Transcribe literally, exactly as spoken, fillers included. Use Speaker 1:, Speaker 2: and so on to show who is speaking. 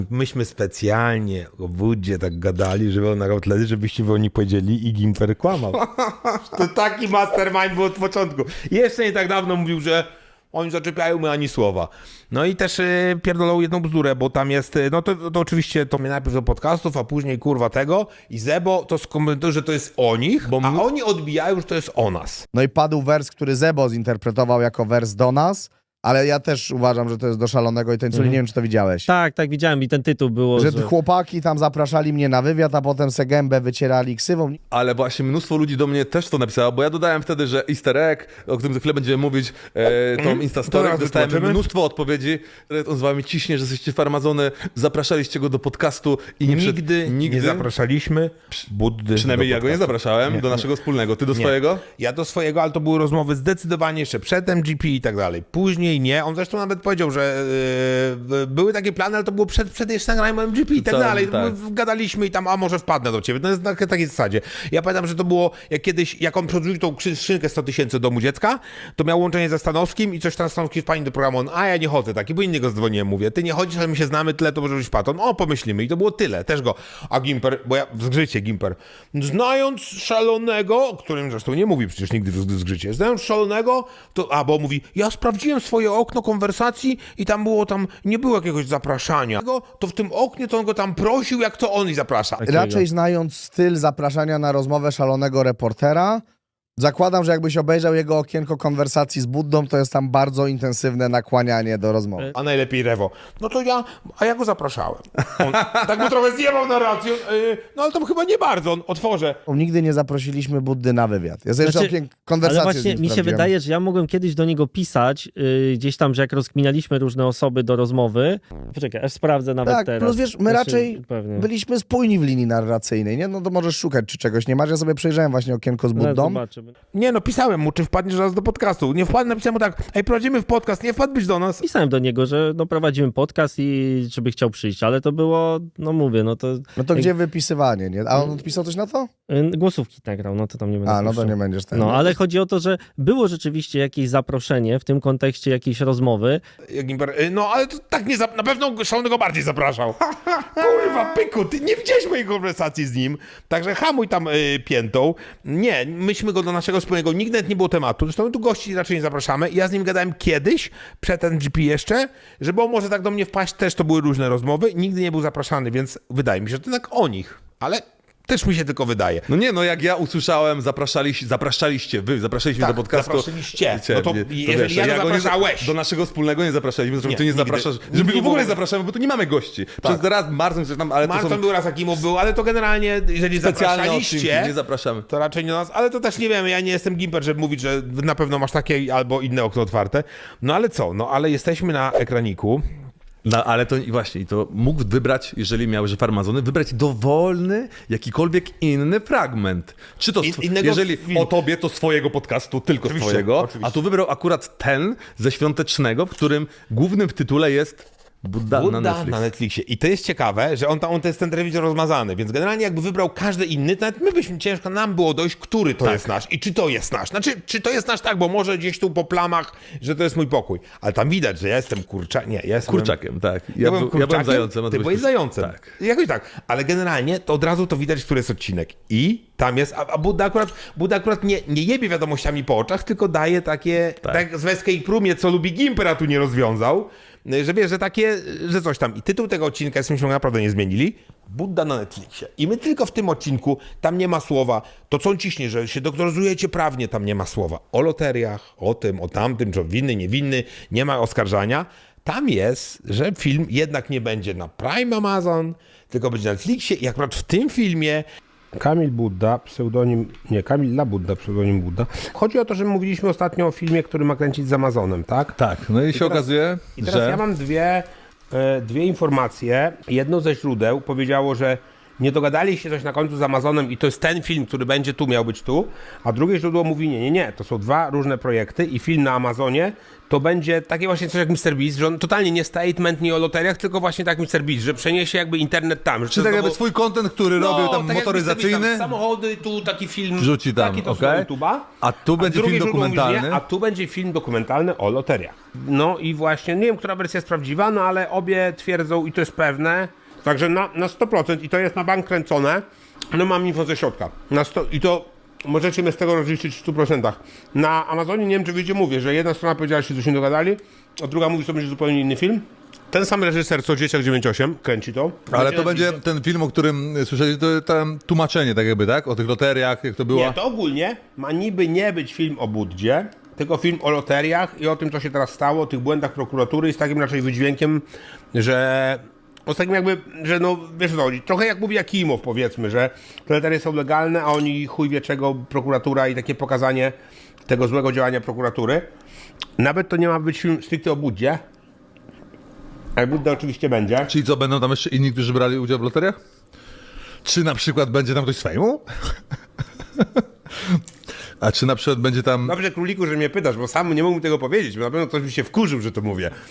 Speaker 1: Myśmy specjalnie o Woodzie tak gadali, żeby on nagrał tyle, żebyście wy o nich powiedzieli i Gimper kłamał. To taki mastermind był od początku. Jeszcze nie tak dawno mówił, że oni zaczepiają my ani słowa. No i też yy, pierdolą jedną bzdurę, bo tam jest, yy, no to, to oczywiście to mnie najpierw do podcastów, a później kurwa tego i Zebo to skomentuje, że to jest o nich, bo a oni odbijają, że to jest o nas.
Speaker 2: No i padł wers, który Zebo zinterpretował jako wers do nas, ale ja też uważam, że to jest do Szalonego i Tańculi. Mm. Nie wiem, czy to widziałeś.
Speaker 3: Tak, tak, widziałem i ten tytuł było,
Speaker 2: że...
Speaker 3: że...
Speaker 2: chłopaki tam zapraszali mnie na wywiad, a potem se gębę wycierali ksywą.
Speaker 4: Ale właśnie mnóstwo ludzi do mnie też to napisało, bo ja dodałem wtedy, że easter egg, o którym za chwilę będziemy mówić, e, tą mm. Instastory, dostałem wytłumaczymy? mnóstwo odpowiedzi. On z wami ciśnie, że jesteście farmazony, zapraszaliście go do podcastu i nie
Speaker 1: nigdy,
Speaker 4: przed... nigdy
Speaker 1: nie zapraszaliśmy Buddy.
Speaker 4: Przynajmniej ja go nie zapraszałem
Speaker 1: nie,
Speaker 4: do naszego
Speaker 1: nie.
Speaker 4: wspólnego. Ty do
Speaker 1: nie.
Speaker 4: swojego?
Speaker 1: Ja do swojego, ale to były rozmowy zdecydowanie jeszcze przed M G P i tak dalej. Później nie. On zresztą nawet powiedział, że yy, były takie plany, ale to było przed, przed jeszcze nagraniem M G P i tak
Speaker 4: Cały,
Speaker 1: dalej.
Speaker 4: tak.
Speaker 1: Gadaliśmy i tam, a może wpadnę do ciebie. To jest na takiej zasadzie. Ja pamiętam, że to było jak kiedyś, jak on przerzucił tą skrzynkę sto tysięcy do domu dziecka, to miał łączenie ze Stanowskim i coś tam Stanowski wpadł do programu. On, a ja nie chodzę taki, bo innego dzwoniłem, mówię. Ty nie chodzisz, ale my się znamy tyle, to może być paton. O, pomyślimy. I to było tyle. Też go. A Gimper, bo ja w zgrzycie Gimper, znając Szalonego, o którym zresztą nie mówi przecież nigdy w zgrzycie, znając Szalonego, to, a bo mówi, ja sprawdziłem swoje okno konwersacji i tam było tam, nie było jakiegoś zapraszania. To w tym oknie to on go tam prosił, jak to on i zaprasza.
Speaker 2: Raczej znając styl zapraszania na rozmowę Szalonego reportera, zakładam, że jakbyś obejrzał jego okienko konwersacji z Buddą, to jest tam bardzo intensywne nakłanianie do rozmowy.
Speaker 1: A najlepiej Rewo. No to ja, a ja go zapraszałem. On tak mu trochę zjebał narrację, yy, no ale to chyba nie bardzo, on otworzę.
Speaker 2: Nigdy nie zaprosiliśmy Buddy na wywiad. Ja sobie
Speaker 3: Znaczy,
Speaker 2: jeszcze okien konwersację
Speaker 3: ale właśnie
Speaker 2: z nim
Speaker 3: mi się
Speaker 2: sprawdziłem.
Speaker 3: wydaje, że ja mogłem kiedyś do niego pisać, yy, gdzieś tam, że jak rozkminialiśmy różne osoby do rozmowy. Poczekaj, aż sprawdzę nawet
Speaker 2: Tak,
Speaker 3: teraz.
Speaker 2: plus wiesz, my
Speaker 3: Znaczy,
Speaker 2: raczej
Speaker 3: pewnie.
Speaker 2: byliśmy spójni w linii narracyjnej, nie? No to możesz szukać, czy czegoś nie masz. Ja sobie przejrzałem właśnie okienko z
Speaker 3: No,
Speaker 2: Buddą.
Speaker 3: zobaczymy.
Speaker 1: Nie no, pisałem mu, czy wpadniesz raz do podcastu. Nie wpadł, napisałem mu tak, ej, prowadzimy w podcast, nie wpadłbyś do nas.
Speaker 3: Pisałem do niego, że no, prowadzimy podcast i żeby chciał przyjść, ale to było, no mówię, no to...
Speaker 2: No to
Speaker 3: jak,
Speaker 2: gdzie wypisywanie, nie? A on odpisał coś na to?
Speaker 3: y, Głosówki nagrał, no to tam nie będę
Speaker 2: A, no to
Speaker 3: puszczał.
Speaker 2: nie będziesz ten.
Speaker 3: No, ale chodzi o to, że było rzeczywiście jakieś zaproszenie w tym kontekście jakiejś rozmowy.
Speaker 1: Gimper, no ale to tak nie, na pewno Szalonego bardziej zapraszał. Kurwa, pyku, ty nie widziałeś mojej konwersacji z nim, także hamuj tam y, piętą. Nie, myśmy go do naszego wspólnego, nigdy nawet nie było tematu, zresztą my tu gości raczej nie zapraszamy. Ja z nim gadałem kiedyś, przed N G P jeszcze, żeby on może tak do mnie wpaść, też to były różne rozmowy, nigdy nie był zapraszany, więc wydaje mi się, że to tak o nich, ale też mi się tylko wydaje.
Speaker 4: No nie, no jak ja usłyszałem, zapraszaliście, zapraszaliście wy, zapraszaliśmy
Speaker 1: Tak,
Speaker 4: do podcastu.
Speaker 1: zaprosiliście.
Speaker 4: Wiecie,
Speaker 1: No to
Speaker 4: nie,
Speaker 1: jeżeli
Speaker 4: wiesz,
Speaker 1: ja to
Speaker 4: go nie-
Speaker 1: zapraszałeś.
Speaker 4: Do naszego wspólnego nie zapraszaliśmy, zresztą
Speaker 1: Nie,
Speaker 4: ty nie
Speaker 1: nigdy.
Speaker 4: zapraszasz,
Speaker 1: Nigdy
Speaker 4: żeby
Speaker 1: nie
Speaker 4: w ogóle nie
Speaker 1: było.
Speaker 4: zapraszamy, bo tu nie mamy gości. Przez raz Marcin coś tam, ale to
Speaker 1: Marcin
Speaker 4: są
Speaker 1: był raz, Akimów był, ale to generalnie, jeżeli
Speaker 4: specjalne odcinki,
Speaker 1: zapraszaliście,
Speaker 4: nie zapraszamy.
Speaker 1: to raczej nie nas, ale to też nie wiemy, ja nie jestem Gimper, żeby mówić, że na pewno masz takie albo inne okno otwarte. No ale co, no ale jesteśmy na ekraniku.
Speaker 4: No ale to i właśnie, to mógł wybrać, jeżeli miał, że farmazony, wybrać dowolny, jakikolwiek inny fragment. Czy to,
Speaker 1: In-
Speaker 4: sw-
Speaker 1: innego
Speaker 4: jeżeli
Speaker 1: filmu.
Speaker 4: o tobie, to swojego podcastu, tylko
Speaker 1: Oczywiście,
Speaker 4: swojego,
Speaker 1: oczywiście.
Speaker 4: a tu wybrał akurat ten ze świątecznego, w którym głównym w tytule jest Budda,
Speaker 1: Budda
Speaker 4: na Netflix.
Speaker 1: na Netflixie. I to jest ciekawe, że on tam, on to jest ten telewizor rozmazany, więc generalnie jakby wybrał każdy inny, to nawet my byśmy, ciężko nam było dojść, który to
Speaker 4: Tak.
Speaker 1: jest nasz i czy to jest nasz. Znaczy, czy to jest nasz tak, bo może gdzieś tu po plamach, że to jest mój pokój. Ale tam widać, że ja jestem kurcza... Nie, ja jestem...
Speaker 4: Kurczakiem, tak. Ja,
Speaker 1: Ja,
Speaker 4: był-
Speaker 1: byłem
Speaker 4: ja byłem
Speaker 1: kurczakiem,
Speaker 4: zającem. a
Speaker 1: ty
Speaker 4: byłeś
Speaker 1: byłeś
Speaker 4: kurcz-
Speaker 1: zającem.
Speaker 4: Tak.
Speaker 1: Jakoś tak. Ale generalnie to od razu to widać, który jest odcinek. I tam jest, a, a Budda akurat, Budda akurat nie, nie jebie wiadomościami po oczach, tylko daje takie, tak, tak z Weskę Prumie, co lubi Gimper, a tu nie rozwiązał, że wiesz, że takie, że coś tam. I tytuł tego odcinka, jesteśmy naprawdę nie zmienili, Budda na Netflixie. I my tylko w tym odcinku, tam nie ma słowa, to co on ciśnie, że się doktoryzujecie prawnie, tam nie ma słowa o loteriach, o tym, o tamtym, czy winny, niewinny, nie ma oskarżania. Tam jest, że film jednak nie będzie na Prime Amazon, tylko będzie na Netflixie i akurat w tym filmie
Speaker 5: Kamil Budda, pseudonim, nie, Kamil La Budda, pseudonim Budda. Chodzi o to, że mówiliśmy ostatnio o filmie, który ma kręcić z Amazonem, tak?
Speaker 4: Tak, no i, się
Speaker 5: teraz-
Speaker 4: okazuje,
Speaker 5: I teraz
Speaker 4: że...
Speaker 5: ja mam dwie, e, dwie informacje. Jedno ze źródeł powiedziało, że nie dogadali się coś na końcu z Amazonem i to jest ten film, który będzie tu, miał być tu, a drugie źródło mówi nie, nie, nie, to są dwa różne projekty i film na Amazonie to będzie takie właśnie coś jak mister Beast, że on totalnie nie statement, nie o loteriach, tylko właśnie tak mister Beast, że przeniesie jakby internet tam. Że
Speaker 4: Czy tak jakby swój content, który robił tam
Speaker 1: tak jak
Speaker 4: motoryzacyjny,
Speaker 1: mister Beast, tam samochody, tu taki film,
Speaker 4: Wrzuci tam,
Speaker 1: taki to
Speaker 4: okej.
Speaker 1: z YouTube'a.
Speaker 4: A tu będzie
Speaker 1: drugie
Speaker 4: film
Speaker 1: źródło mówi, że
Speaker 4: dokumentalny?
Speaker 1: Nie, a tu będzie film dokumentalny o loteriach.
Speaker 5: No i właśnie, nie wiem, która wersja jest prawdziwa, no ale obie twierdzą i to jest pewne. Także na, na sto procent i to jest na bank kręcone. No mam info ze środka. Na sto, I to możecie mnie z tego rozliczyć w stu procentach. Na Amazonie, nie wiem czy wiecie, mówię, że jedna strona powiedziała, że się coś nie dogadali, a druga mówi, że to będzie zupełnie inny film. Ten sam reżyser co Dzieciak dziewięć osiem kręci to.
Speaker 4: Ale to będzie ten film, o którym słyszeliście, to tam tłumaczenie tak jakby, tak? O tych loteriach, jak to było.
Speaker 5: Nie, to ogólnie ma niby nie być film o Buddzie, tylko film o loteriach i o tym, co się teraz stało, o tych błędach prokuratury i z takim raczej wydźwiękiem, że... O z takim jakby, że no, wiesz co chodzi, trochę jak mówi Jakimow, powiedzmy, że te loterie są legalne, a oni chuj wie czego, prokuratura i takie pokazanie tego złego działania prokuratury. Nawet to nie ma być film stricte o Buddzie, ale Budda oczywiście będzie.
Speaker 4: Czyli co, będą tam jeszcze inni, którzy brali udział w loteriach? Czy na przykład będzie tam ktoś z fejmu? A czy na przykład będzie tam...
Speaker 5: Dobrze, Króliku, że mnie pytasz, bo sam nie mógłbym tego powiedzieć, bo na pewno ktoś by się wkurzył, że to mówię.